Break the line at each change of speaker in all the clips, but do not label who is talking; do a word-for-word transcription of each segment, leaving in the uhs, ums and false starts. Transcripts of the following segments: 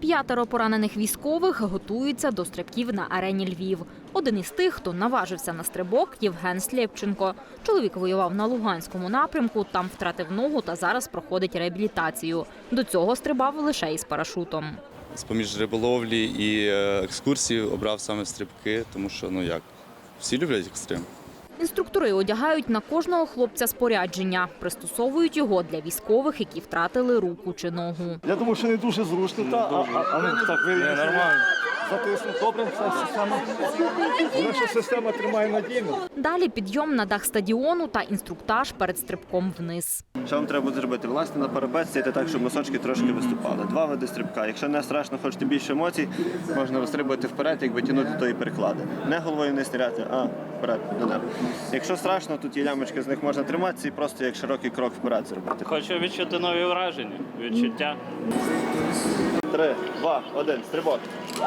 П'ятеро поранених військових готуються до стрибків на арені Львів. Один із тих, хто наважився на стрибок – Євген Слєпченко. Чоловік воював на Луганському напрямку, там втратив ногу та зараз проходить реабілітацію. До цього стрибав лише із парашутом.
З-поміж риболовлі і екскурсій обрав саме стрибки, тому що, ну як, всі люблять екстрим.
Інструктори одягають на кожного хлопця спорядження, пристосовують його для військових, які втратили руку чи ногу.
Я думаю, що не дуже зручно, та, а, а, а ну, так, ви нормально. Затиснув, добре, вся система. Наша система тримає надійно.
Далі підйом на дах стадіону та інструктаж перед стрибком вниз.
Що вам треба буде зробити? Власне, на парапет сидіти так, щоб носочки трошки виступали. Два види стрибка. Якщо не страшно, хочете більше емоцій, можна розстрибувати вперед, якби тягнути тої переклади. Не головою вниз стріляти, а вперед, до неба. Якщо страшно, тут є лямочки, з них можна триматися і просто як широкий крок вперед зробити.
Хочу відчути нові враження, відчуття.
Три, два, один, стрибок.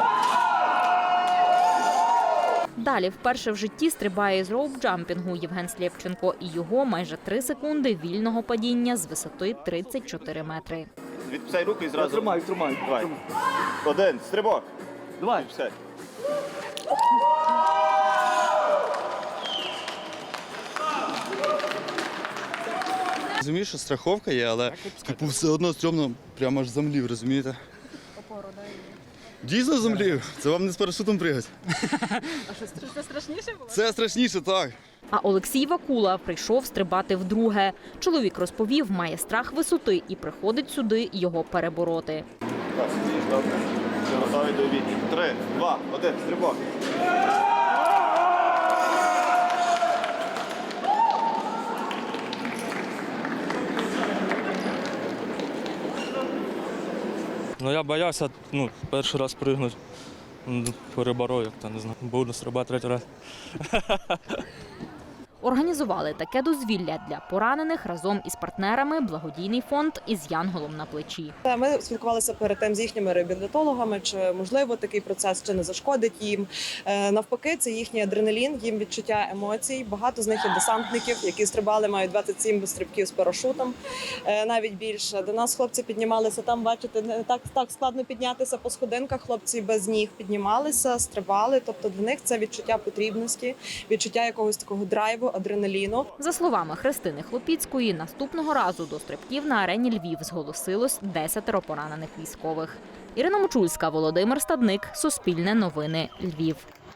Далі вперше в житті стрибає з роуп-джампінгу Євген Слєпченко і його майже три секунди вільного падіння з висоти тридцять чотири метри.
Відписай руку і зразу.
Тримай, тримай.
Давай. Один, стрибок.
Давай.
Відписай.
Розумію, що страховка є, але типу, все одно стрьомно прямо аж замлів, розумієте? Дійсно замлів. Це вам не з парашутом пригати.
А що, це страшніше було?
Це страшніше, так.
А Олексій Вакула прийшов стрибати вдруге. Чоловік розповів, має страх висоти і приходить сюди його перебороти.
Так, сидиш, добре. Все, готові до обіду. Три, два, один, стрибок.
Ну я боявся, ну, перший раз пригнути, переборов, як то не знаю, буду стрибати третій раз.
Організували таке дозвілля для поранених разом із партнерами благодійний фонд «Із янголом на плечі».
Ми спілкувалися перед тим з їхніми реабілітологами, чи можливо такий процес, чи не зашкодить їм. Навпаки, це їхній адреналін, їм відчуття емоцій. Багато з них є десантників, які стрибали, мають двадцять сім стрибків з парашутом, навіть більше. До нас хлопці піднімалися, там, бачите, не так, так складно піднятися по сходинках, хлопці без ніг піднімалися, стрибали. Тобто для них це відчуття потрібності, відчуття якогось такого драйву, адреналіну.
За словами Христини Хлопіцької, наступного разу до стрибків на арені Львів зголосилось десятеро поранених військових. Ірина Мочульська, Володимир Стадник, Суспільне новини, Львів.